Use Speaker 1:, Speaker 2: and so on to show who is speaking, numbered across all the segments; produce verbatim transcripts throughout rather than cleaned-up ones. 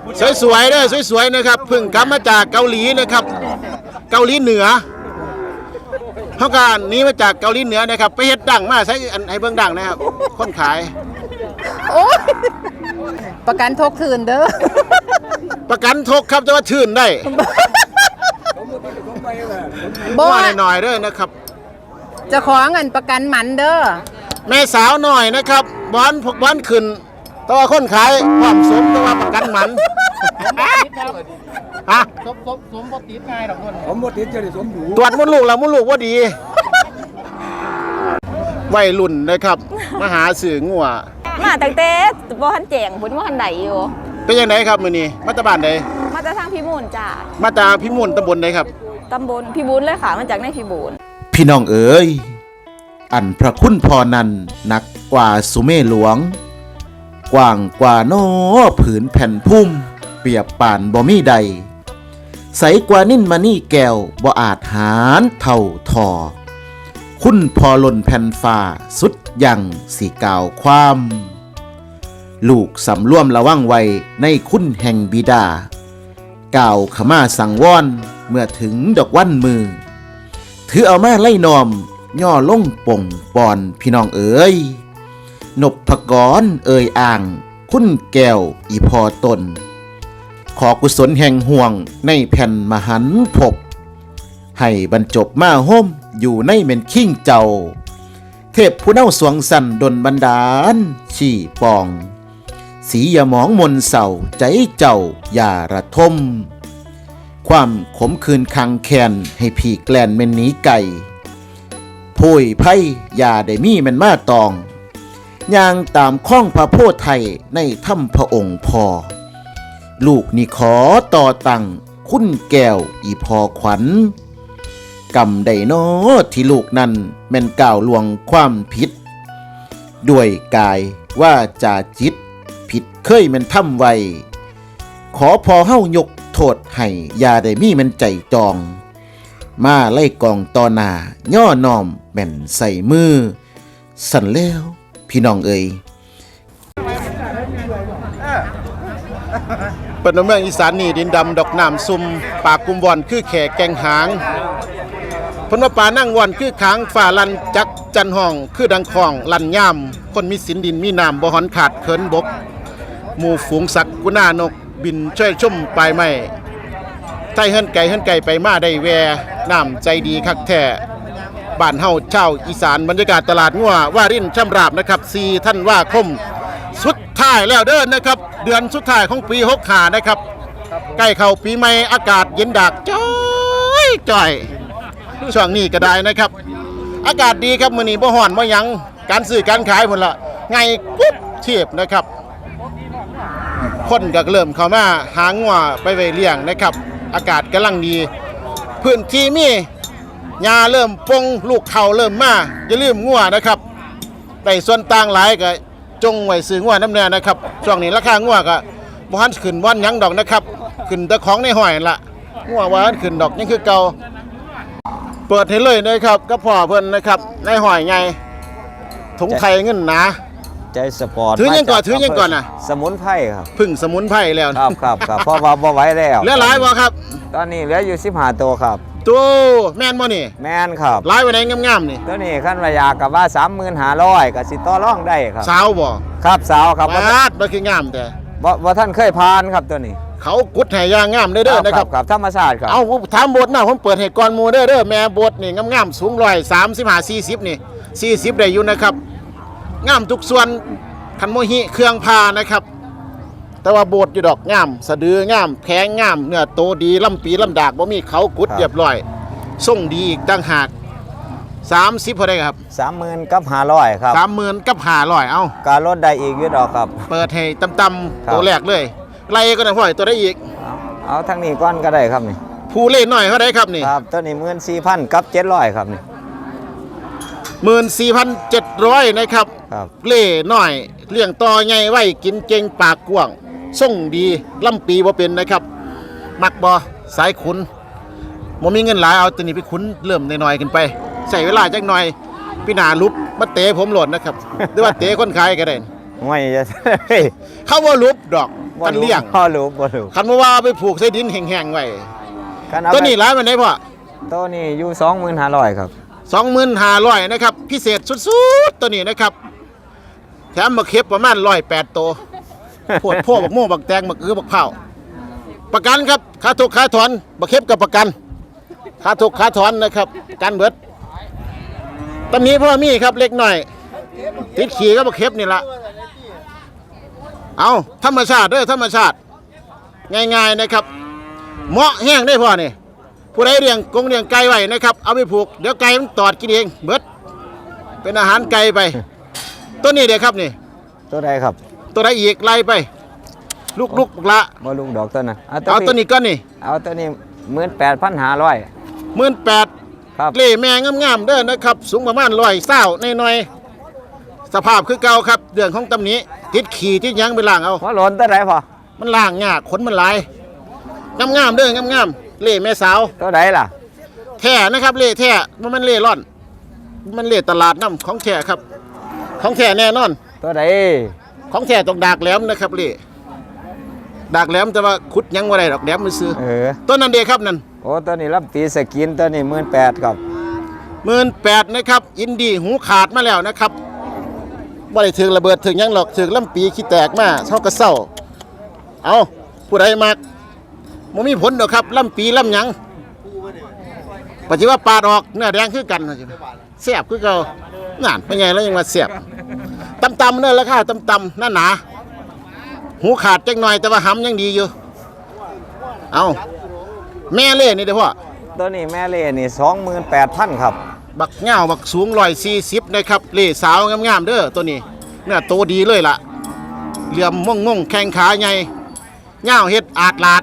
Speaker 1: สวยๆเด้อสวยๆนะครับเพิ่งกลับมาจากเกาหลีนะครับเกาหลีเหนือเขาการนี้มาจากเกาหลีเหนือนะครับไปเฮ็ดดังมาใช้อันให้เบิ่งดังนะครับคนขาย
Speaker 2: โอ้ยประกันทกคืนเด้อ
Speaker 1: ประกันทกครับจะว่าชื่นได้
Speaker 2: บ่
Speaker 1: ว่าหน่อยๆเด้อนะครับ
Speaker 2: จะขอเงินประกันหมันเด้อ
Speaker 1: แม่สาวหน่อยนะครับบอนพวกบอนขึ้นตัวคนขายความสมตัวประกันหมันฮะ
Speaker 3: สมสมสมบติดง่ายดอกคนผมบติดจะได้สมอยู่
Speaker 1: ตรวจมดลูกแล้วมดลูกว่าดีวัยรุ่นนะครับมาหาสื่องัว
Speaker 4: มาตั้งแต่บ่ทันแจงพุ่นบ่ทันใดอยู่
Speaker 1: เป็นยังไงครับมื้อนี้มาจากบ้านใด
Speaker 4: มาจากทางพิบูลจ้า
Speaker 1: มาจากพิมุลตำบลใดครับ
Speaker 4: ตำบลพิบูลเลยค่ะมาจากในพิบูล
Speaker 5: พี่น้องเอ๋ยอันพระคุณพอนั้นนักกว่าสุเมหลวงกว้างกว่าโนผืนแผ่นพุ่มเปรียบป่านบ่มีใดใสกว่านิ่นมานี่แก้วบ่อาจหารเท่าทอคุณพอล่นแผ่นฟ้าสุดยังสีกล่าวความลูกสำร่วมระวังไว้ในคุณแห่งบิดากล่าวขมาสังวรเมื่อถึงดอกวันมือถือเอามาไล่นอมย่อลงป่งปอนพี่น้องเอ๋ยนบพกรเอ่ยอ่างคุณแก้วอีพอตนขอกุศลแห่งห่วงในแผ่นมหันภพให้บรรจบมาห่มอยู่ในเม่นขิ้งเจ้าเทพผู้เน่าสวงสันดลบันดาลชี่ปองสีอย่ามองมนเศร้าใจเจ้าอย่าระทมความขมคืนคังแคนให้ผีแกลนเม่นหนีไก่ผู้ยไพ่อย่าได้มีแม่นมาตองย่างตามข้องพระโพธิ์ไทยในถ้ำพระองค์พอลูกนี่ขอต่อตังคุณแก้วอีพอขวัญกำได้นอที่ลูกนั้นแม่นก่าวลวงความผิดด้วยกายว่าจาจิตผิดเคยแม่นทำไว้ขอพอเฮ้ายกโทษให้อย่าได้มีแม่นใจจองมาไล่กองต่อหน้าย่อน้อมแม่นใส่มือสั่นแล้วพี่น้องเอ๋ย
Speaker 1: เป็นเมืองอีสานนี่ดินดำดอกน้ำซุ่มปากกุมวอนคือแขกแกงหางพนว่าป่านั่งวอนคือขางฝ่าลันจักจันห้องคือดังคองลันย่ำคนมีสินดินมีน้ำบ่หอนขาดเขินบกหมู่ฝูงสักกุน่านกบินช่วยชุ่มปลายไม้ไทยเฮิรนไก่เฮิรนไก่ไปมาได้แวน้ำใจดีคักแท้บ้านเฮาเช่าอีสานบรรยากาศตลาดงัวว่ารินช่ำราบนะครับสี่ท่านว่าคมสุดท้ายแล้วเด้อนะครับเดือนสุดท้ายของปีหกห้านะครับใกล้เข้าปีใหม่อากาศเย็นดากจ้อยจ้อยช่วงนี้ก็ได้นะครับอากาศดีครับมื้อนี้บ่ฮ้อนบ่หยังการซื้อการขายพุ่นละไงปุ๊บเทียบนะครับคนก็เริ่มเข้ามาหางัวไปไว้เลี้ยงนะครับอากาศกำลังดีพื้นที่มีหญ้าเริ่มปงลูกเขาเริ่มมาอย่าลืมงัวนะครับได้ส่วนต่างหลายก็จงไว้ซื้องัวน้ำแน่นะครับช่วงนี้ราคางัวก็บ่ทันขึ้นวันหยังดอกนะครับขึ้นแต่ของในห้อยนั่นล่ะงัวว่าขึ้นดอกยังคือเก่าเปิดให้เลยนะครับก็พ่อเพิ่นนะครับในห้อยใหญ่ถุงไทยเงินหนา
Speaker 6: ใจสปอร์ต
Speaker 1: ถือยังก่อนถือยังก่อนน่ะ
Speaker 6: สมุนไพรครับ
Speaker 1: พึ่งสมุนไพรแล้ว
Speaker 6: ครับครับครับเพราะว่าบ่ไหวแล้ว
Speaker 1: เหลือหลายบ่ครับ
Speaker 6: ตอนนี้เหลืออยู่สิบห้าตัวครับ
Speaker 1: ตัวแม่นบ่นี่
Speaker 6: แม่นครับ
Speaker 1: หลายไว้ไหนงามๆนี่
Speaker 6: ตัวนี้ขั้นวายากับว่า สามหมื่นห้าร้อย ก็สิต่อรองได้ครับ
Speaker 1: สาวบ่
Speaker 6: ครับสาวครับ
Speaker 1: บาดบ่คืองามแต่
Speaker 6: บ่บ่ท่านเคยพานครับตัวนี้
Speaker 1: เขากุดให้ย่างงามเด้อเด้อนะครับ
Speaker 6: ครับธรรมชาติครับ
Speaker 1: เอาผมถามบทนะผมเปิดให้ก่อนหมู่เด้อเด้อแม่บทนี่งามๆสูงร้อยสามสิบห้าสี่สิบนี่สี่สิบได้อยู่นะครับงามทุกส่วนคันโมหิเครื่องพานะครับแต่ว่าบทอยู่ดอกงามสะดืองามแข็งงามเนื้อโตดีลำปีลำดากบ่มีเขากุดเรียบร้อยส่งดีอีกต่างหากสามสิบพอได้ครับ
Speaker 6: สามหมื่นกับห้าร้อยครับ
Speaker 1: สามหมื่นกับห้าร้อยเอา
Speaker 6: การลดได้อีกอยู่ดอกครับ
Speaker 1: เปิดให้ต่ำ
Speaker 6: ครั
Speaker 1: ๆ
Speaker 6: บ
Speaker 1: ตัวแรกเลยไล่ก็ได้ห้อยตัวได้อีก
Speaker 6: เอาเอาทั้งนี้ก้อนก็ได้ครับนี่
Speaker 1: ผู้เล่นหน่อยเขาได้ครับนี่
Speaker 6: ครับตัวนี้หมื่นสี่พันกับเจ็ดร้อยครับนี่
Speaker 1: หมื่นสี่พันเจ็ดร้อยนะครับ
Speaker 6: ครับ
Speaker 1: เล่หน่อยเลี้ยงต่อใหญ่ไว้กินเก่งปากกว้างส่งดีลำปีบ่เป็นนะครับ มักบ่สายขุนบ่มีเงินหลายเอาตัวนี้ไปขุนเริ่มน้อยๆขึ้นไปใส่เวลาจักหน่อยพี่หนาลุบมาเตะผมหล่นนะครับ หรือว่าเตะคนขายก็ได้
Speaker 6: ไม่จะ
Speaker 1: เขาว่าลุบดอก
Speaker 6: บ่
Speaker 1: กันเลี้ยง
Speaker 6: บ่รู้บ่รู้
Speaker 1: คันบ่ว่าเอาไปผูกใส่ดินแห้งๆไว้
Speaker 6: คันเอา
Speaker 1: ตัวนี้หลายมันได้พ่อ
Speaker 6: ตัวนี้อยู่สองหมื่นห้าร้อยครับ
Speaker 1: สองหมื่นห้าร้อยนะครับพิเศษสุดๆตัวนี้นะครับแถมมาเข็บประมาณร้อยแปดตัวโพดโพ่บักโม่บักแตงบักอื้อบักเผาประกันครับค่าทุกค่าถอนบักเข็บกับประกันค่าทุกค่าถอนนะครับกันเบิดตำนี้พ่อมีครับเล็กหน่อยติดขี่ก็บักเข็บนี่ละเอาธรรมชาติเด้อธรรมชาติง่ายๆนะครับเหมาะแห้งได้พ่อนี่ผู้ใดเลี้ยงกงเลี้ยงไก่ไว้นะครับเอาไปผูกเดี๋ยวไก่มันตอดกินเองเบิดเป็นอาหารไก่ไปตัวนี้เด้ครับนี่
Speaker 6: ตัวใดครับ
Speaker 1: ตัวใดอีกไล่ไป ลูกลูกละ
Speaker 6: บ่ลุงดอกตัวนั้น
Speaker 1: เอาตัวนี้ก้อนนี่
Speaker 6: เอาตัวนี้หมื่นแปดพันห้าร้อย
Speaker 1: หมื่นแปด
Speaker 6: ครับ
Speaker 1: เล่แม่งามๆเด้อนะครับ สูงประมาณร้อยเศร้าในหน่อยๆสภาพคือเก่าครับเรื่องของตำหนี้ติดขี่ติดหยังไปล้างเอา
Speaker 6: ว่าหล่นตัวใดพอ
Speaker 1: มันล้างยากขนมันหลายงามๆเด้องามๆเล่แม่สาว
Speaker 6: ตัวใดล่ะ
Speaker 1: แท้นะครับเล่แท้มันมันเล่ร่อน มันเล่ตลาดน้ำของแท้ครับ ของแท้แน่นอน
Speaker 6: ตัวใด
Speaker 1: ของแท้ต้องดากแหลมนะครับเล่ดากแหลมแต่ว่าขุดหยังบ่ได้ดอกแหลมมือซื้อ
Speaker 6: เออ
Speaker 1: ต้นนั้นเด้ครับนั่น
Speaker 6: โอ้ตัวนี้รับตีสกินตัวนี้หมื่นแปดครับ
Speaker 1: หมื่นแปดนะครับอินดี้หูขาดมาแล้วนะครับบ่ได้ถึงระเบิดถึงหยังหรอกถึงลำปีขี้แตกมาเท่ากระเซ้าเอาผู้ใดมักบ่มีผลดอกครับลำปีลำหยังปัจจุบันปาดออกเนื้อแดงคือกันแซ่บคือเก่านั่นเป็นไงแล้วยังมาแซ่บตำๆเนื้อราคาตำๆหน้าหนาหูขาดจังหน่อยแต่ว่าหำยังดีอยู่เอาแม่เล่นี่เด้อพ่อ
Speaker 6: ตัวนี้แม่เล่นี่สองหมื่นแปดพันครับ
Speaker 1: บักเง่าบักสูงร้อยสี่สิบนะครับเล่สาวงามๆเด้อตัวนี้เนี่ยโตดีเลยล่ะเหลี่ยมม่วงม่งๆแข้งขาใหญ่เง่าเฮ็ดอาดลาด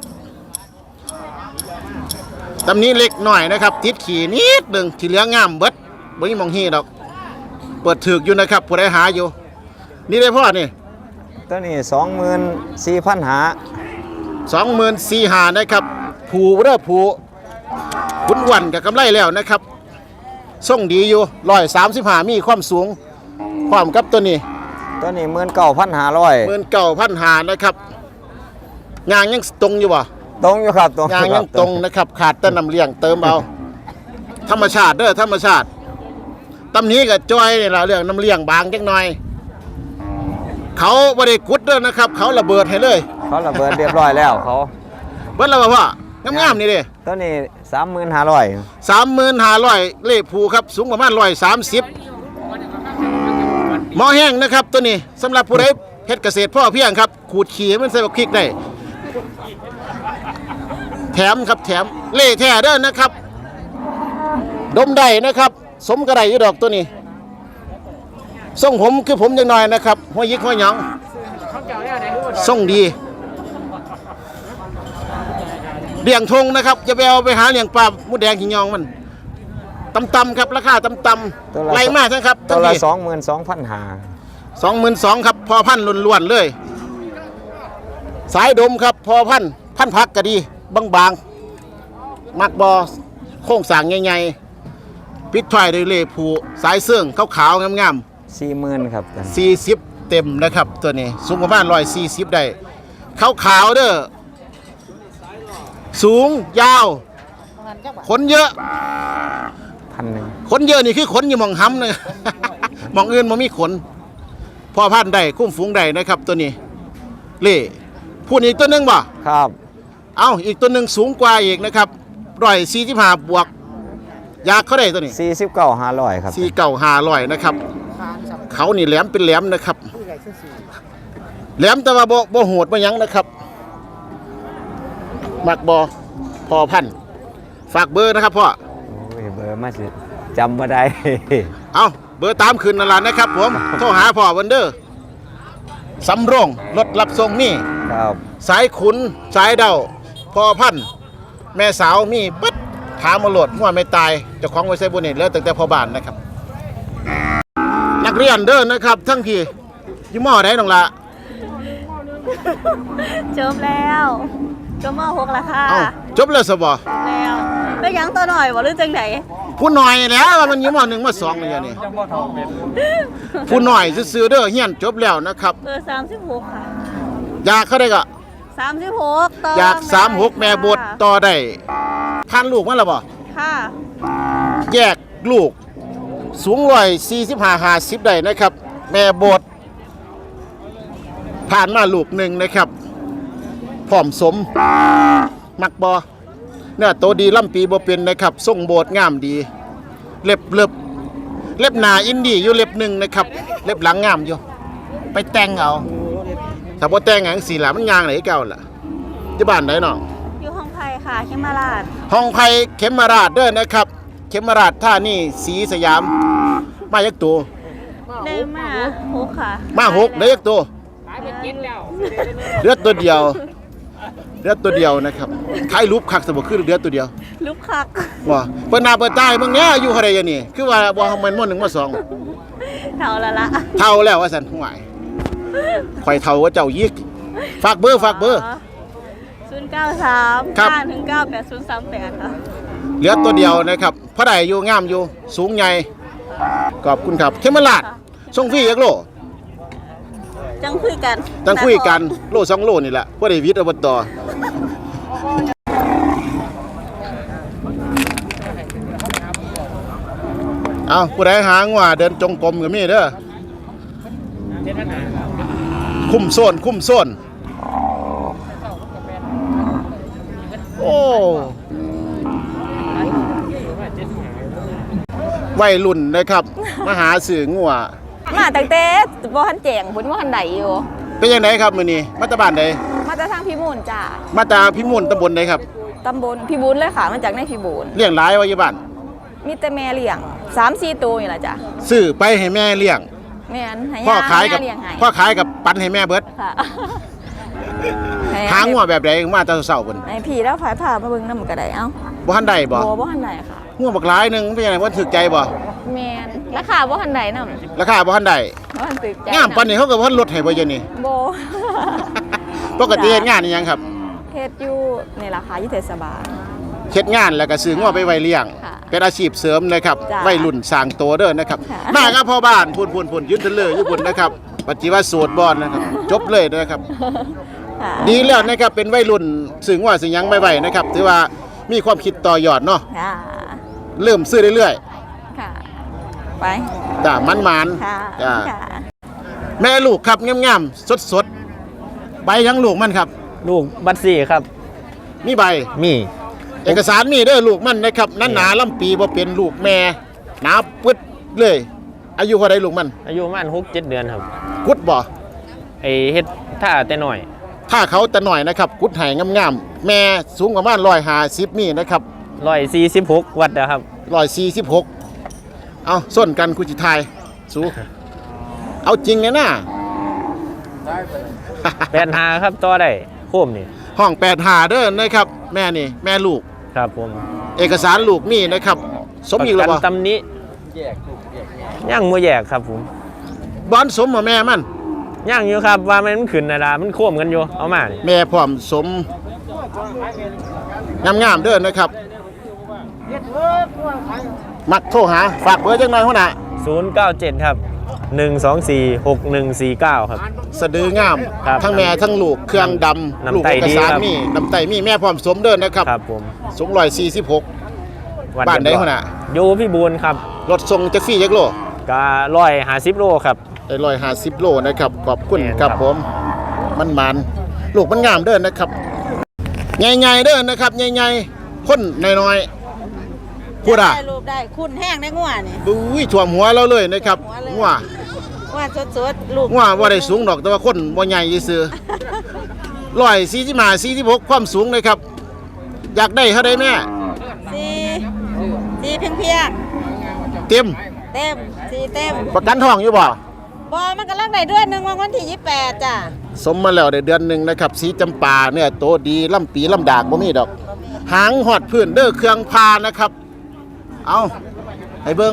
Speaker 1: ตำนี้เล็กหน่อยนะครับติดขี่นิดหนึ่งที่เหลืองามเบิดบ่มีหมองฮีดอกเปิดถึกอยู่นะครับผู้ใดหาอยู่นี่ได้พ่อนี่
Speaker 6: ตัวนี้สองหมื่นสี่พันหา
Speaker 1: สองหมื่นสี่หานะครับผูเด้อผูขุนวันกับกำไรแล้วนะครับส่งดีอยู่ร้อยสามสิบห้ามีความสูงความกับตัวนี้
Speaker 6: ตัวนี้หมื่นเก้าพันห้าร้อย
Speaker 1: หมื่นเก้าพันหานะครับยางยังตรงอยู่บ่
Speaker 6: ตรงอยู่ครับตรง
Speaker 1: ยางยังตรงนะครับ ขาดแต่น้ำเลี้ยงเติมเอาธรรมชาติเด้อธรรมชาติตำนี้กับจอยนี่ละเรื่องน้ำเลี้ยงบางจังหน่อย เขาบริกุดเด้อนะครับ เขาระเบิดให้เลย
Speaker 6: เขาระเบิดเรียบร้อยแล้วเขา
Speaker 1: เบิดแล้วบ่พ่องามๆนี่เด้
Speaker 6: ตัวนี้สามหมื่นห้าร้อย
Speaker 1: สามหมื่นห้าร้อยเล่ผูครับสูงประมาณร้อยสามสิบหม้อแห้งนะครับตัวนี้สำหรับผู้ใดเฮ็ดเกษตรพ่อเพียงครับขูดขี้ให้มันใส่บักพริกได้แถมครับแถมเล่แท้เด้อนะครับ ดมได้นะครับ สมกระไดอยู่ดอกตัวนี้ทรงผมคือผมยังน้อยนะครับหัวยิกหัวหยองทรงดีเลี้ยงทงนะครับจะไปเอาไปหาเลี้ยงปลาหมูแดงหิงยองมันตำๆครับราคาตำๆไรมากนะครับ
Speaker 6: ตัวละสองหมื่นสองพันหา
Speaker 1: สองหมื่นสองครับพอพันล้วนๆเลย สายดมครับพอพันพันพักก็ดีบางๆมักบอโค้งสร้างใหญ่ๆปิดท้ายด้วยเล่ผูสายเสื่องขาวๆงามๆ
Speaker 6: สี่หมื่นครับ
Speaker 1: สี่สิบเต็มนะครับตัวนี้สูงประมาณร้อยสี่สิบได้ขาวขาวๆเด้อสูงยาวขนเยอะ
Speaker 6: พันหนึ่ง
Speaker 1: ขนเยอะนี่คือขนอยู่หมองห้ำเลย หมองอื่นมันมีขนพอพันธุ์ได้คุ้มฝูงได้นะครับตัวนี้เล่พูดอีกตัวหนึงบ่
Speaker 6: ครับ
Speaker 1: เอาอีกตัวหนึ่งสูงกว่าอีกนะครับร้อยสี่สิบห้าบวกยากเขาได้ตัวนี้
Speaker 6: สี่สิบเก้าห้าร้อยครับ
Speaker 1: สี่เก่าหาร้อยนะครับเขานี่แหลมเป็นแหลมนะครับ แหลมแต่ว่าบ่บ่โหดบ่หยังนะครับ มักบอพอพันธุ์ฝากเบอร์นะครับพ่อ
Speaker 6: โอ้ยเบอร์มาสิจำมาได้
Speaker 1: เอาเบอร์ตามคืนนั่นล่ะนะครับผม โทรหาพ่อวันเดอร์สำโรงรถรับส่งนี่
Speaker 6: ครับ
Speaker 1: สายขุนสายเดาพอพันธุ์แม่สาวมีปึ๊ดถามมาโหลดหัวไม่ตายเจ้าของไว้ใส่บุญนี่แล้วตั้งแต่พ่อบ้านนะครับ นักเรียนเด้อนะครับ ทั้งพี่ยี่หม้อได้น้องละ
Speaker 4: จบแล้วจบมหกแล้วค่ะ
Speaker 1: เอ้าจบแล้วสบอ
Speaker 4: แล้วไปยังตัวหน่อยบ่หรือจังได
Speaker 1: ผู้หน่อยแล้วว่ามันยี่หม้อหนึ่งมาสองเลยนี่ผู้หน่อยซื้อๆเด้อเฮียนจบแล้วนะครับ
Speaker 4: เบอร์สามสิบหกค่ะ
Speaker 1: อยากเขาได้ก็
Speaker 4: สามสิบหกต่อ
Speaker 1: อยากสามหกแม่บดต่อได้พันลูกมั้งล่ะบ่
Speaker 4: ค่ะ
Speaker 1: แยกลูกสูงร้อยสี่สิบห้าห้าสิบได้นะครับ แม่บดผ่านมาลูกหนึ่งนะครับพร้อมสมมักบอเนี่ยโตดีล่ำปีบ่เป็นนะครับทรงโบดงามดี เล็บเล็บเล็บหนาอินดี้อยู่เล็บหนึ่งนะครับ เล็บหลังงามอยู่ ไปแต่งเอาถ้าบ่แต่งหยังสีหละมันยางไหนเก่าล่ะที่บ้านไหนน้อง
Speaker 4: อยู่ห้องไผ่ค่ะเขมราช
Speaker 1: ห้องไผ่เข็มมาราชเด้อนะครับ เข็มมาราชท่านี่สีสยามมายักตัว
Speaker 4: ได้มาหกค่ะ
Speaker 1: มาหกได้ยักตัวเลือดตัวเดียวเลือดตัวเดียวนะครับขายรูปคักสมบูรณ์คือเลือดตัวเดียว
Speaker 4: ลูกคัก
Speaker 1: ว่าเปิ้นหน้าเปิ้นตายมึงเนี้ยอยู่เท่าใดอย่างนี้คือว่าบ่มันม่วนหนึ่งมาสอง
Speaker 4: เท่าละละ
Speaker 1: เท่าแล้วว่าซั่นห่วยข่อยเท่าว่าเจ้ายิกฝากเบอร์ฝากเบอร์
Speaker 4: ศูนย์เก้าสาม
Speaker 1: ครับ
Speaker 4: ห้าหนึ่งเก้าแปดศูนย์สามแปดค่ะ
Speaker 1: เหลือตัวเดียวนะครับเพราะใดอยู่งามอยู่สูงใหญ่ขอบคุณครับเขมราชส่งฟรียักโล
Speaker 4: จังคุยกัน
Speaker 1: จังคุยกันโลสองโลนี่แหละบ่ได้วิทย์อบตเอาผู้ใดหางว่าเดินจงกรมก็มีเด้อคุ้มโซนคุ้มโซนโอ้วัยรุ่นนะครับมาหาสื่องัว
Speaker 2: มาตั้งแต่บ่ทันแจงพุ่นบ่ทันใดอยู่
Speaker 1: เป็นยังไงครับมื้อนี้มาจากบ้านใด
Speaker 2: มาจากทางพิบูลจ้า
Speaker 1: มาจากพิมลตำบลใดครับ
Speaker 2: ตำบลพิบูลเลยค่ะมาจากในพิบูล
Speaker 1: เลี้ยงหลายไว้อยู่บ้าน
Speaker 2: มีแต่แม่เลี้ยง สามสี่ ตัวนี่ล่ะจ้ะ
Speaker 1: ซื้อไปให้แม่เลี้ยง
Speaker 2: แม่นให้
Speaker 1: พ่อย่
Speaker 2: า
Speaker 1: ขายกับ
Speaker 2: แม่เลี้ยงให้
Speaker 1: พ่อขายกับปันให้แม่เบิด
Speaker 2: ค่ะ
Speaker 1: หางัวแบบใดมาแต่เช้าๆพุ่น
Speaker 2: ให้พี่แล้วผายผ่ามาเบิ่งนำก็ได้เอ้า
Speaker 1: บ่ทันได้บ่
Speaker 2: บ่บ่ทันใดค่ะ
Speaker 1: งัวบักหลายหนึงเป็นยังไงบ่ถูกใจบ่
Speaker 2: แม่นราคาบ่ทันใดนำ
Speaker 1: ราคาบ่ทันได้
Speaker 2: บ่ทันตึกใจ
Speaker 1: งามปานนี้เขาก็บ่ทันลดให้บ่เดี๋ยวนี้
Speaker 2: บ่
Speaker 1: ปกติเฮ็ดงานอีหยังครับ
Speaker 2: เฮ็ดอยู่นี่ล่ะค่ะอยู่เทศบาล
Speaker 1: เฮ็ดงานแล้วก็ซื้องัวไปไว้เลี้ยง
Speaker 2: ค่ะ
Speaker 1: เป็นอาชีพเสริมนะครับ
Speaker 2: จ้ะ
Speaker 1: วัยรุ่นสร้างโตเด้อนะครับ
Speaker 2: ค่ะ
Speaker 1: มาครับพ่อบ้านพูนๆๆยืนเทะเลอยู่พุ่นนะครับปัจจุบันโสดบ่นะครับ จบเลยนะครับ
Speaker 2: ค่ะ
Speaker 1: ดีแล้วนะครับเป็นวัยรุ่นสึงว่าสึงยังไม่ไหวนะครับถือว่ามีความคิดต่อยอดเนาะ
Speaker 2: ค่ะ
Speaker 1: เริ่มซื้อเรื่อย
Speaker 2: ค่ะ ไป
Speaker 1: ๆจ้ามันมัน
Speaker 2: ค่ะ
Speaker 1: จ้า
Speaker 2: ค่ะ
Speaker 1: แม่ลูกครับงามๆสดๆใบยังลูกมันครับ
Speaker 6: ลูกบัตรสี่ครับ
Speaker 1: มีใบ
Speaker 6: มี
Speaker 1: เอกสารมีเด้อลูกมันนะครับนั้นหนาลำปีบ่เป็นลูกแม่หนาปึ๊ดเลย อายุเท่าไรลูกมัน
Speaker 6: อายุประมาณหกเจ็ดเดือนครับ
Speaker 1: กุดบ่
Speaker 6: ไอเฮ็ดท่าแต่หน่อย
Speaker 1: ถ้าเขาแต่หน่อยนะครับกุดไห้งามๆแม่สูงประมาณร้อยห้าสิบนี่นะครับ
Speaker 6: ร้อยสี่สิบหกวัดนะครับ
Speaker 1: ร้อยสี่สิบหกเอาส้นกันคุจิทายสูเอาจริงเลยนะ
Speaker 6: แปดหาครับต่อได้โคมนี่
Speaker 1: ห้องแปดหาเด้อนะครับ แม่นี่แม่ลูก
Speaker 6: ครับผม
Speaker 1: เอกสารลูกมีนะครับ สมอีกแล้ว
Speaker 6: ป
Speaker 1: บ่
Speaker 6: ระกันตำหนี้ย่างมือแยกครับผม
Speaker 1: บอนสมบ่แม่มัน
Speaker 6: ย่างอยู่ครับว่ามันขึ้นนะดามันโค้มกันอยู่เอามานี่
Speaker 1: แม่พร้อมสมงามๆเด้อนะครับ มักโทรหาฝากเบอร์จังหน่อยหัวหน้า
Speaker 6: ศูนย์เก้าเจ็ดครับหนึ่งสองสี่หกหนึ่งสี่เก้าครับ
Speaker 1: สะดืองาม
Speaker 6: ครับ
Speaker 1: ทั้งแม่ทั้งลูกเครื่องดำ
Speaker 6: น้ำ
Speaker 1: ลูก
Speaker 6: ไต
Speaker 1: เอก
Speaker 6: ดี
Speaker 1: สาร
Speaker 6: ครับ
Speaker 1: มีน้ำไตมีแม่พร้อมสมเด้อนะครับ
Speaker 6: ครับผม
Speaker 1: สูงร้อยสี่สิบหก
Speaker 6: วั
Speaker 1: บ้านใดหัวหน้า
Speaker 6: อยู่พี่บูนครับ
Speaker 1: รถส่งจักฟรีจักโล
Speaker 6: การ้อยหาสิบโลครับ
Speaker 1: ได้ร้อยห้าสิบโลนะครับขอบคุณ
Speaker 6: แม่น
Speaker 1: ครับ
Speaker 6: ครับ
Speaker 1: ผมมันมันลูกมันงามเด้อนะครับใหญ่ๆเด้อนะครับใหญ่ๆคนน้อยๆพูดอ่ะ
Speaker 7: ได้รูปได้คุณแห้งได้งัวนี่
Speaker 1: บุ้ยท่วมหัวเราเลยนะครับงัว
Speaker 7: ว่าสดๆลูก
Speaker 1: งัวว่าได้สูงดอกแต่ว่าคนบ่ใหญ่ซื่อร้อยสี่สิบห้าสี่สิบหกความสูงเลยครับ อยากได้เท่าใดแม่
Speaker 7: สีสีเพียงเพียง
Speaker 1: เต็ม
Speaker 7: ๆเต็มสีเต็ม
Speaker 1: ประกันทองอยู่บ่
Speaker 7: บอมันกำลังได้เดือนหนึ่งวันที่ยี่สิบแปดจ้ะ
Speaker 1: สมมาแล้วได้เดือนหนึ่งนะครับสีจำปาเนี่ยโตดีล่ำปีล่ำดากบ่มีดอก หางหอดพื้นเด้อเครื่องพานะครับ เอาให้เบิ่ง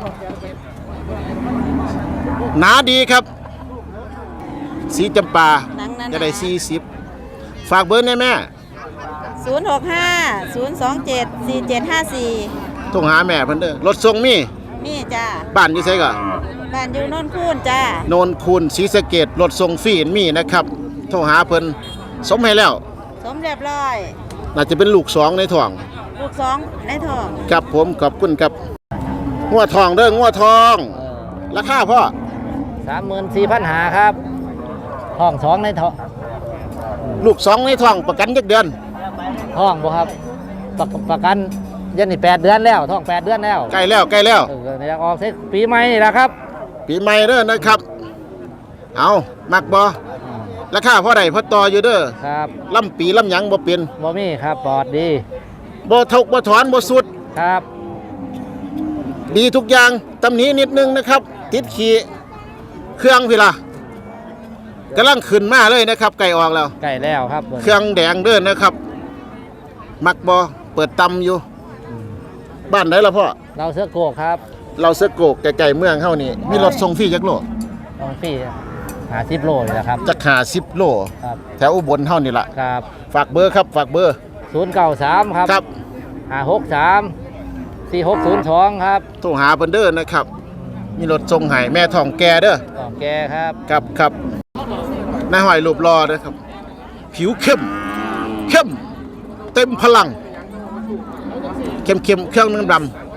Speaker 1: หนาดีครับ สีจำปา
Speaker 7: หนังนั้น
Speaker 1: จะได้สี่สิบฝากเบอร์ได้แม่
Speaker 7: ศูนย์หกห้าศูนย์สองเจ็ดสี่เจ็ดห้าสี่
Speaker 1: โทรหาแม่เพิ่นเด้อรถส่งมี
Speaker 7: นี่จ้ะ
Speaker 1: บ้านอยู่ไสก็
Speaker 7: บ้านอยู่โนนคูนจ้ะ
Speaker 1: โนนคูนศรีสะเกษรถส่งฟรีมีนะครับ โทรหาเพิ่นสมให้แล้ว
Speaker 7: สมเรียบร้อย
Speaker 1: น่าจะเป็นลูกสองในท้อง
Speaker 7: ลูกสองในท้อง
Speaker 1: ครับผมขอบคุณครับงัวทองเด้องัวทองราคาพ่อ
Speaker 3: สามหมื่นสี่พันหาครับห้องสองในท้อง
Speaker 1: ลูกสองในท้องประกันจักเดือน
Speaker 3: ห้องบ่ครับประประกันยันนี่แปดเดือนแล้วท้องแปดเดือนแล้ว
Speaker 1: ใกล้แล้วใกล้แล้ว
Speaker 3: เอออยากออกเสร็จปีใหม่นี่แหละครับ
Speaker 1: ปีใหม่เด้อนะครับ เอามักบ่ราคาพ่อใดพ่อต่ออยู่เด้อ
Speaker 3: ครับ
Speaker 1: ล่ำปีล่ำหยังบ่เป็น
Speaker 3: บ่มีครับปลอดดี
Speaker 1: บ่ทกบ่ถอนบ่สุด
Speaker 3: ครับ
Speaker 1: ดีทุกอย่างตำหนี้นิดนึงนะครับ ติดขี่เครื่องพี่ล่ะกำลังขึ้นมาเลยนะครับไก่ออกแล้ว
Speaker 3: ใกล้แล้วครับ
Speaker 1: เครื่องแดงเด้อนะครับ มักบ่เปิดตำอยู่ บ้านไหนล่ะพ่อ
Speaker 3: เราเสื้อโกกครับ
Speaker 1: เราเสอโกกไก่ๆเมืองเฮานี่มีรถส่งฟรีจักโล
Speaker 3: ต้องฟรีหาสิบโลนี่แหละครับ
Speaker 1: จักหาสิบโล
Speaker 3: ครับ
Speaker 1: แถวอุบลเฮานี่ล่ะ
Speaker 3: ครับ
Speaker 1: ฝากเบอร์ครับฝากเบอร์
Speaker 3: ศูนย์เก้าสามครับ
Speaker 1: ครับ
Speaker 3: ห้าหกสามสี่หกศูนย์สองครับ
Speaker 1: โทรหาเพิ่นเด้อนะครับ มีรถส่งให้แม่ทองแกเด้อ
Speaker 3: ต่อแกครับ
Speaker 1: ครับครับนายหอยรูปรอเด้อครับ ผิวเข้ม เข้ม เต็มพลัง เข้มเข้มๆเครื่องน้ำด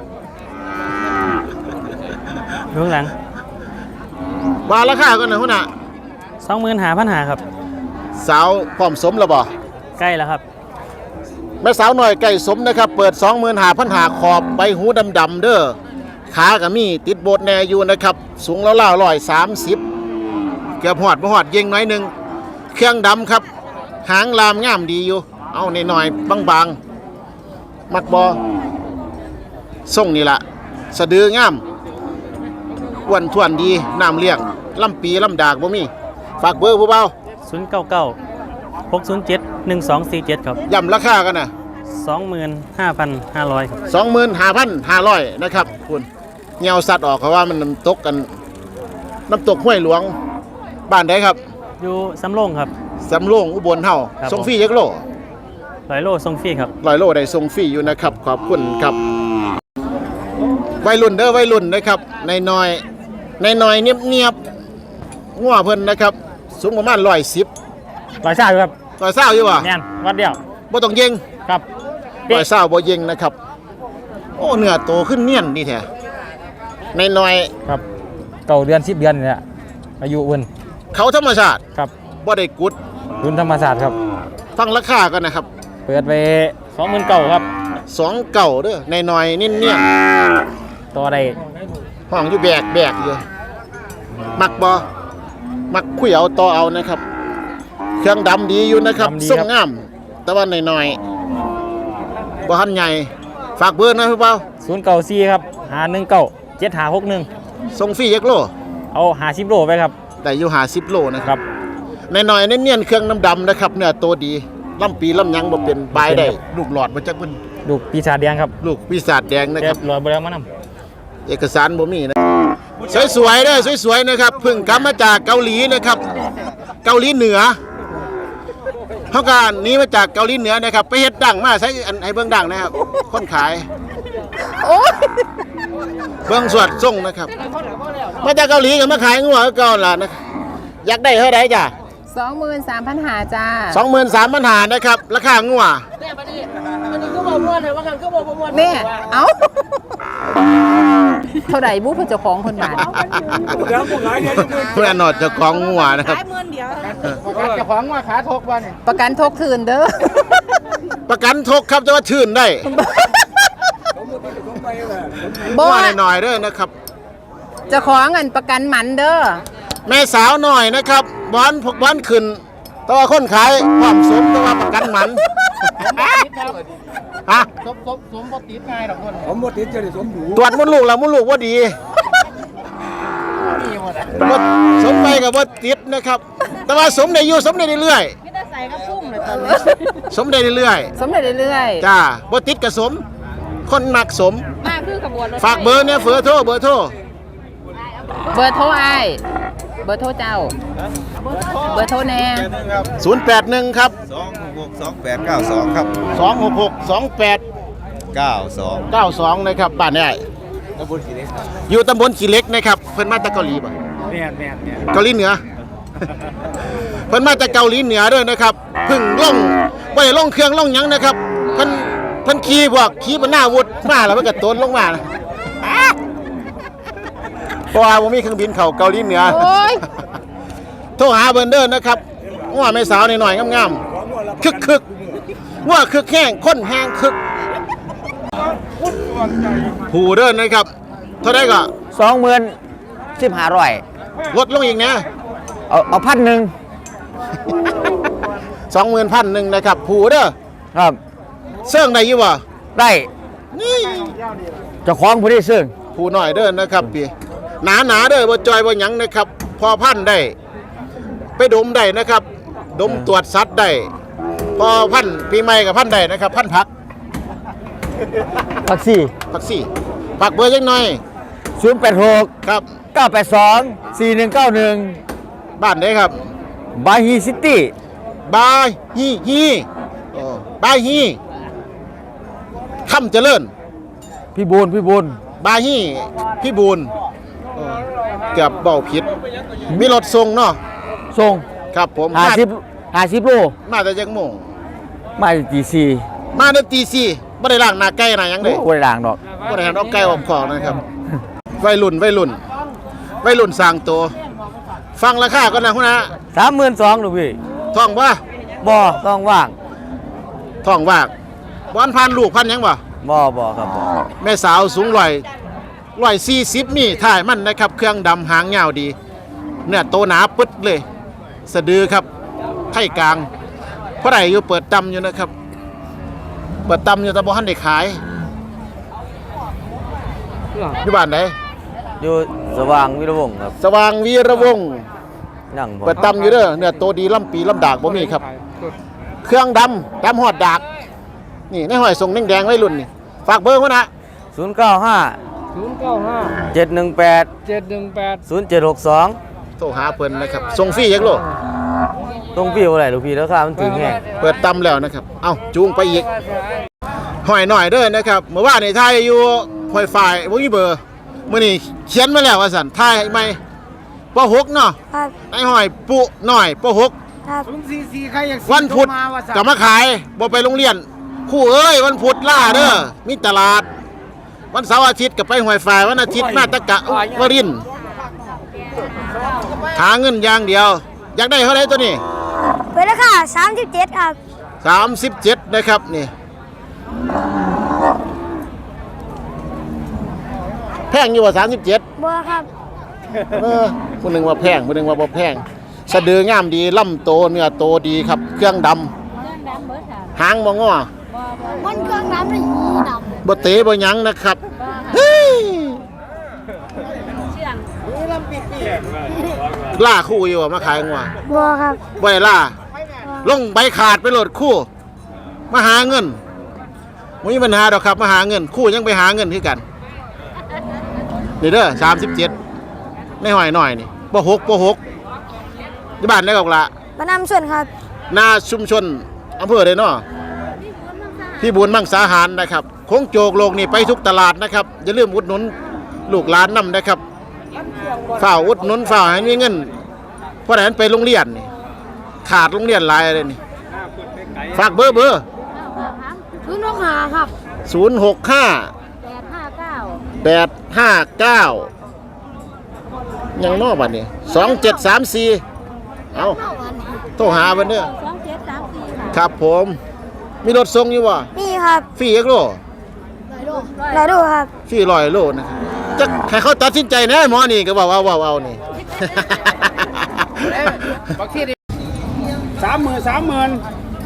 Speaker 8: เบื้องหลัง
Speaker 1: ำว่าราคากันนะหัวหน้า
Speaker 8: สองหมื่นหาพันหาครับ
Speaker 1: สาวพร้อมสมแล้วบ่
Speaker 8: ใกล้แล้วครับ
Speaker 1: แม่สาวหน่อยไก่สมนะครับ เปิด สองหมื่นห้าพัน หาขอบใบหูดำๆเด้อขาก็มีติดโบดแน่อยู่นะครับ สูงแล้วล่าร้อยสามสิบเกือบหอดบ่หอดเยิงน้อยหนึงเครื่องดำครับ หางลามงามดีอยู่ เอาหน่อยๆบางๆมักบอส่งนี่ละสะดืองามอ้วนทวนดีน้ำเลี้ยงลำปีลำดากบ่มีฝากเบอร์ผู้เบา
Speaker 8: ศูนย์เก้าเก้าหกศูนย์เจ็ดหนึ่งสองสี่เจ็ดครับ
Speaker 1: ย่ำราคากันนะ
Speaker 8: สองหมื่นห้าพันห้าร้อยครับ
Speaker 1: สองหมื่นห้าพันห้าร้อยนะครับคุณเงาสัตว์ออกเพราะว่ามันน้ำตกกันน้ำตกห้วยหลวงบ้านใดครับ
Speaker 8: อยู่สำโรงครับ
Speaker 1: สำโรงอุบลเฮา
Speaker 8: ครับ
Speaker 1: ส่งฟรียักโล
Speaker 8: ร้อยโลทรงฟรีครับ
Speaker 1: ร้อยโลได้ส่งฟรีอยู่นะครับ ขอบคุณครับวัยรุ่นเด้อวัยรุ่นนะครับในน้อยในน้อยเนียบเนียบๆงัวเพิ่นนะครับ สูงประมาณร้อยสิบ
Speaker 8: ร้อยเศร้าครับ
Speaker 1: ร้อยเศร้าอยู่ว่ะ
Speaker 8: แม่นวัดเดียว
Speaker 1: บ่ต้องเย็ง
Speaker 8: ครับ
Speaker 1: ร้อยเศร้าบ่เย็งนะครับ โอ้เนื้อโตขึ้นเนียนดีแท้ในน้อย
Speaker 3: ครับเก่าเดือนสิบเดือนเนี่ยอายุอุ่น
Speaker 1: เขาธรรมชาติ
Speaker 3: ครับ
Speaker 1: บ่ได้กุด
Speaker 3: รุ่นธรรมศาสตร์ครับ
Speaker 1: ฟังราคากันนะครับ
Speaker 3: เปิดไปสองหมื่นเก้าครับ
Speaker 1: สองเก่าเด้อในน้อยนิ่นเนียน
Speaker 3: ต่อได้
Speaker 1: ห้องอยู่แบกแบกอยู่มักบ่มักคุยเอาต่อเอานะครับ เครื่องดำดีอยู่นะครับส่งงาม แต่ว่าในน้อยบ่ทันใหญ่ฝากเบอร์หนะพี่เปา
Speaker 3: ศูนย์เก้าสี่ครับหาหนึ่งเก้าเจ็ดหาหกหนึ่ง
Speaker 1: ส่งฟรียักโล
Speaker 3: เอาหาสิบโลไปครับ
Speaker 1: ได้อยู่หาสิบโลนะค
Speaker 3: ครับ รับ
Speaker 1: ในน้อยๆเนียนๆเครื่องน้ำดำนะครับเนื้อโตดีลำปีลำหยังบ่เป็นบายได้ลูกหลอดมาจากเพิ่น
Speaker 3: ดูปีศาจแดงครับ
Speaker 1: ลูกปีศาจแดงนะ
Speaker 3: เรี
Speaker 1: ค
Speaker 3: ย
Speaker 1: รั
Speaker 3: บบ ร้อยบริมาน
Speaker 1: เอกสารบ่มีนะสวยๆเด้อสวยๆนะครับเพิ่งกลับมาจากเกาหลีนะครับ เกาหลีเหนือเฮาก็หนีมาจากเกาหลีเหนือนะครับ ไปเฮ็ดดังมาใช้อันให้เบิ่งดังนะครับ คนขาย
Speaker 2: โอ้ย
Speaker 1: เบิ่งสวดส่งนะครับ มาจากเกาหลีก็มาขายงัวคือเก่าล่ะนะอยากได้เท่าใดจ้ะ
Speaker 2: สองหมื่นสามพันหาจ้า
Speaker 1: สองหมื่นสามพันหานะครับ ราคางัว
Speaker 2: แม่เอ้า เท่าไหร่บุพเจ้าของคนบาท
Speaker 1: เพื่อนนอดเจ้าของงัวนะครับ
Speaker 7: ขายหมื่นเดียว
Speaker 3: เจ้าของว่าขาทกวัน
Speaker 2: ประกันทกคืนเด้อ
Speaker 1: ประกันทกครับจะว่าชื่นได้
Speaker 2: บ่
Speaker 1: งัวหน่อยๆเด้อนะครับ
Speaker 2: เจ้าของอันประกันหมันเด้อ
Speaker 1: แม่สาวหน่อยนะครับบอนพกบอนขึ้นแตัวาคนขายความสมแตัวาประกันหมันฮะ
Speaker 3: สมสมสมบ่ติดง่ายดอกคนผมบ่ติดจะได้สมดู
Speaker 1: ตรวจมดลูกแล้วมดลูกว่าดีบ่สมไปกับว่าติดนะครับ แต่ว่าสมได้อยู่สมได้เรื่อย
Speaker 7: ไม่ได้ใส่กระพุ่มเลยตอนนี้
Speaker 1: ๆสมได้เรื่อย
Speaker 2: สมเด็จเรื่อย
Speaker 1: ๆจ้าบ่ติดกับสม คนมักสม
Speaker 7: มากคือขบวนรถ
Speaker 1: ฝากเบอร์เนี่ยเฟอร์โทรเบอร์โทร
Speaker 2: ๆ เบอร์โทรอ้ายเบอร์โทรเจ้า เบอร์โทรแน่
Speaker 1: ศูนย์แปดหนึ่งครับ
Speaker 9: สองหกหกสองแปดเก้าสองครับ
Speaker 1: สองหกหกสองแปด
Speaker 9: เก้าสอง
Speaker 1: เก้าสองนะครับบ้านนี้อยู่ตำบลขี้เหล็กนะครับเพิ่นมาจากเกาหลีป่ะ
Speaker 3: แม่นแม่นแม่น
Speaker 1: เกาหลีเหนือเพิ่นมาจากเกาหลีเหนือด้วยนะครับเพึ่งล่องบ่ได้ล่องเครื่องล่องหยังนะครับเพิ่นเพิ่นขี่พวกขี่บนหน้าวุธมาแล้วมันก็ตนลงมานะเพราะว่าบ่มีเครื่องบินเข้าเกาหลีเหนือ
Speaker 2: โอ้ย
Speaker 1: โทรหาเบิ่นเด้อนะครับง้อแม่สาวหน่อยๆงามๆคึกๆง้อคึกแห้งคนแห้งคึกผู้เด้อนะครับเท่าใดก็
Speaker 3: สองหมื่นสิบห้าร้อย
Speaker 1: ลดลงอีกนะ
Speaker 3: เอาเอาพันหนึ่ง
Speaker 1: สองหมื่นพันหนึ่งนะครับผู้เด้อ
Speaker 3: ครับ
Speaker 1: เสื่องได้อยู่บ่
Speaker 3: ได้
Speaker 1: นี่
Speaker 3: เจ้าของผู้ที่ซื้อ
Speaker 1: ผู้หน่อยเด้อนะครับพี่หนาหนาๆเด้อบ่จอยบ่หยังนะครับ พอพันได้ ไปดมได้นะครับ ดมตรวจสัตว์ได้ พอพันปีใหม่กับพันได้นะครับ พันผัก
Speaker 3: พักซี่
Speaker 1: ผักซี่ผักเบอร์จังหน่อย
Speaker 3: ศูนย์แปดหก
Speaker 1: ครับ
Speaker 3: เก้าแปดสองสี่หนึ่งเก้าหนึ่ง
Speaker 1: บ้านได้ครับ
Speaker 3: บายฮีซิตี้
Speaker 1: บายฮีฮีโอ้บายฮีคำเจริญ
Speaker 3: พี่บูนพี่บูน
Speaker 1: บายฮีพี่บูนโอ้เกือบเบาผิด มีรถส่งเนาะ
Speaker 3: ส่ง
Speaker 1: ครับผม
Speaker 3: ห้าสิบห้าสิบโล
Speaker 1: มาแต่จังโมง
Speaker 3: มาตีสี่
Speaker 1: มาในตีสี่ไม่ได้ล้างหน้าไก่หน้าหยังเลย
Speaker 3: โอ้ยด่างดอก
Speaker 1: ไม่ได้หันเอาไก่ออกของนะครับวัยรุ่นวัยรุ่นวัยรุ่นสร้างตัว ฟังราคาก่อนนะคุณนะ
Speaker 3: สามหมื่นสองหรือพี่
Speaker 1: ท่องว่า
Speaker 3: บ่ต้องว่าง
Speaker 1: ท่องว่าบอนพันลูกพันหยังบ่
Speaker 3: บ่บ่ครับบ่
Speaker 1: แม่สาวสูงร้อยร้อยสี่สิบมีถ่ายมันนะครับ เครื่องดำหางยาวดี เนื้อโตหนาปึ๊ดเลย สะดือครับไท่กลางเพราะไหนอยู่เปิดตำอยู่นะครับ เปิดตำอยู่แต่บ่ทันได้ขายอยู่บ้านไหน
Speaker 3: อยู่สว่างวิรวงศ์ครับ
Speaker 1: สว่างวีระวงศ์
Speaker 3: นั่งบ่
Speaker 1: เปิดตำอยู่เด้อเนื้อโตดีลำปีลำดากบ่มีครับ เครื่องดำดำหอดดาก นี่ในหอยทรงแดงๆไว้รุ่นนี่ฝากเบอร์เขานะ
Speaker 3: ศูนย์เก้าห้า
Speaker 8: ศูนย์เก้าห้า
Speaker 3: เจ็ดหนึ่งแปด
Speaker 8: เจ็ดหนึ่งแปด
Speaker 3: ศูนย์เจ็ดหกสอง
Speaker 1: โทรหาเพิ่นนะครับส่งฟรียักโล
Speaker 3: ตรงพี่อะไรลูกพี่แล้วค่ามันถึงแห้ง
Speaker 1: เปิดตำแล้วนะครับ เอ้าจูงไปอีกหอยหน่อยเด้อนะครับเมื่อวานนี่ทายอยู่หอยฝ่ายบ่มีเบอร์มื้อนี้เขียนมาแล้วว่าซั่นทายให้ใหม่ปหกเนาะ
Speaker 7: ครับ
Speaker 1: ไอ้หอยปุหน่อยปหก
Speaker 7: ครับ
Speaker 1: วันพุธกลับมาขายบ่ไปโรงเรียนครู่เอ้ยวันพุธล่าเด้อมีตลาด วันเสาร์อาทิตย์ก็ไปหอยฝ่ายวันอาทิตย์มาตะกะวรินทร์หาเงินอย่างเดียว อยากได้เท่าไหร่ตัวนี้
Speaker 7: เปิดราคาสามสิบเจ็ดครับ
Speaker 1: สามสิบเจ็ดนะครับนี่แพงอยู่ว่าสามสิบเจ็ด
Speaker 7: บัวครับ
Speaker 1: เออผู้หนึ่งว่าแพงผู้หนึ่งว่าบ่แพงสะดืองามดีลำโตเนื้อโตดีครับ เครื่องดำหางบ่งอ
Speaker 7: มันเครื่องน้ำเลยดำ
Speaker 1: บ่เตะบ่หยังนะครับเฮ้ยล่าคู่อยู่ว่ามาขายงัว
Speaker 7: บัวครับ
Speaker 1: บ่ได้ล่าลงใบขาดไปโหลดคู่มาหาเงินบ่มีปัญหาดอกครับมาหาเงินคู่ยังไปหาเงินคือกันนี่เด้อสามสิบเจ็ดในหอยหน่อยนี่ปหกปหกที่บ้านได้กอกละ
Speaker 7: มานำส่วนครับ
Speaker 1: นาชุมชนอำเภอเลยเนาะพี่บุญมังสาหารนะครับโค้งโจกโลกนี่ไปทุกตลาดนะครับอย่าลืมอุดหนุนลูกหลานนำนะครับฝ่ากอุดหนุนฝ่ากให้มีเงินเพราะฉะนั้นไปโรงเรียนนี่ขาดโรงเรียนหลายเลยนี่ฝากเบอร์เบอร์
Speaker 7: ศูนย์หกห้าครับ
Speaker 1: ศูนย์หกห้า
Speaker 7: แปดห้าเก้า
Speaker 1: แปดห้าเก้ายังนอกบัดนี้สองเจ็ดสามสี่เอาโทรหาเพิ่นเด้อ
Speaker 7: สองเจ็ดสามสี่
Speaker 1: ครับผมมีรถส่งอยู่บ่
Speaker 7: นี่ครับ
Speaker 1: ฟรีเอกโล
Speaker 7: รอดูครับ
Speaker 1: ฟรีร้อยโลนะครับจะให้เขาตัดสินใจแน่หมอนี่ก็บอกว่าเอาเอานี่
Speaker 8: สามหมื่นสามหมื่น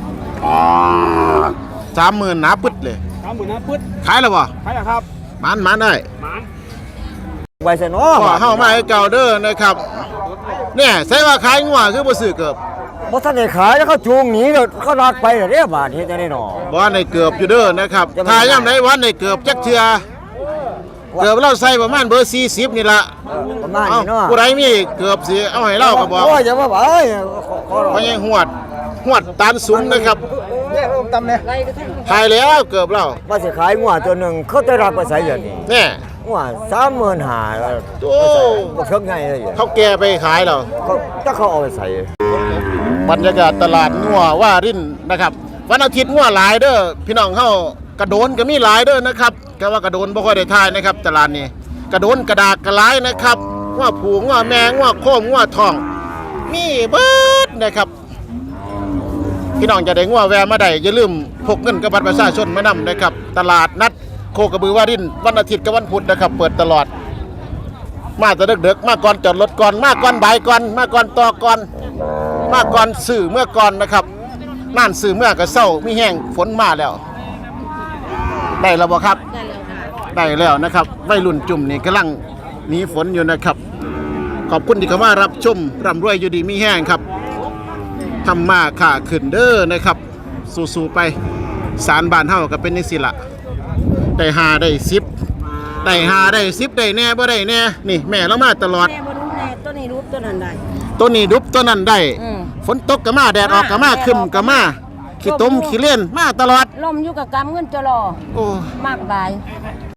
Speaker 1: สามหมื่นหนาปึ๊ดเลย
Speaker 8: สามหมื่นนะปึ๊ด
Speaker 1: ขายแล้วบ่
Speaker 8: ใครล่ะครับ
Speaker 1: มันมันได้
Speaker 8: หมาน
Speaker 3: ไว้ซะเนาะ
Speaker 1: ก็เข้ามาให้เก่าเด้อนะครับเนี่ยใส่ว่าขายงัวคือบ่ซื้อเกือบ
Speaker 3: บ่ทันได้ขายแล้วเขาจูงหนีแล้วเขาลากไปแล้วเด้บาดเฮ็ดจังได๋เนาะ
Speaker 1: บ่ได้เกือบอยู่เด้อนะครับ
Speaker 3: จะไม่
Speaker 1: ถ้ายามใดวันได้เกือบจักเทื่อเกือบเราใส่ประมาณเบอร์สี่สิบนี่ล่ะ
Speaker 3: ประมาณ
Speaker 1: เอ้า
Speaker 3: นี้เนาะ
Speaker 1: ผู้ใดมีเกือบสิเอาให้เราก็บอก
Speaker 3: โอ้ยอย่ามาบ่เอ้ยขอขอ
Speaker 1: เพราะยังหวดหวดตานสูงนะครับ
Speaker 3: แยกลงตำเนี่ย
Speaker 1: ถ่ายแล้วเกือบเรา
Speaker 3: ว่าสิขายงัวตัวหนึงเขาจะรับไปใส่เดี๋ยวนี้
Speaker 1: เนี่ย
Speaker 3: โ
Speaker 6: ว่าสามหมื่นหา
Speaker 1: โอ้
Speaker 6: บ่เท่าไงเลย
Speaker 1: เขาแก่ไปขายแล้ว
Speaker 6: เขาถ้าเขาเอาไปใส่
Speaker 1: บรรยากาศตลาดงัวว่ารินนะครับวันอาทิตย์งัวหลายเด้อพี่น้องเฮากระโดนก็มีหลายเด้อนะครับแต่ว่ากระโดนบ่ค่อยได้ทายนะครับตลาดนี้กระโดนกระดากกระหลายนะครับงัวผูงัวแมงงัวโคมงัวทองมีเบิดนะครับพี่น้องจะได้งัวแวะมาได้อย่าลืมพกเงินกับบัตรประชาชนมานำนะครับตลาดนัดโคกระบือว่ารินวันอาทิตย์กับวันพุธนะครับเปิดตลอดมาแต่ดึกๆมาก่อนจอดรถก่อนมาก่อนบ่ายก่อนมาก่อนต่อก่อนมาก่อนสื่อเมื่อก่อนนะครับน่านสื่อเมื่อก็เศร้ามีแห้งฝนมาแล้วได้แล้วบ่ครับได้แล้วนะครับวัยรุ่นจุ่มนี่กำลังหนีฝนอยู่นะครับขอบคุณที่เข้ามารับชมร่ำรวยอยู่ดีมีแห้งครับทำมาค่าขึ้นเด้อนะครับสู้ๆไปสารบ้านเฮาก็เป็นนิสิละได้หาได้สิบได้หาได้สิบได้แน่บ่ได้แน่นี่แม่เรามาตลอด
Speaker 7: แม่บ่รู้แน่ตัวนี้รูปตัวนั้นได้
Speaker 1: ตัวนี้ดุบตัวนั้นได้
Speaker 7: อืม
Speaker 1: ฝนตกก็มาแดดออกก็มาคึมก็มาขี้ต้มขี้เล่นมาตลอด
Speaker 7: ลมอยู่กับกำเงินจะรอ
Speaker 1: โอ้
Speaker 7: มากบาย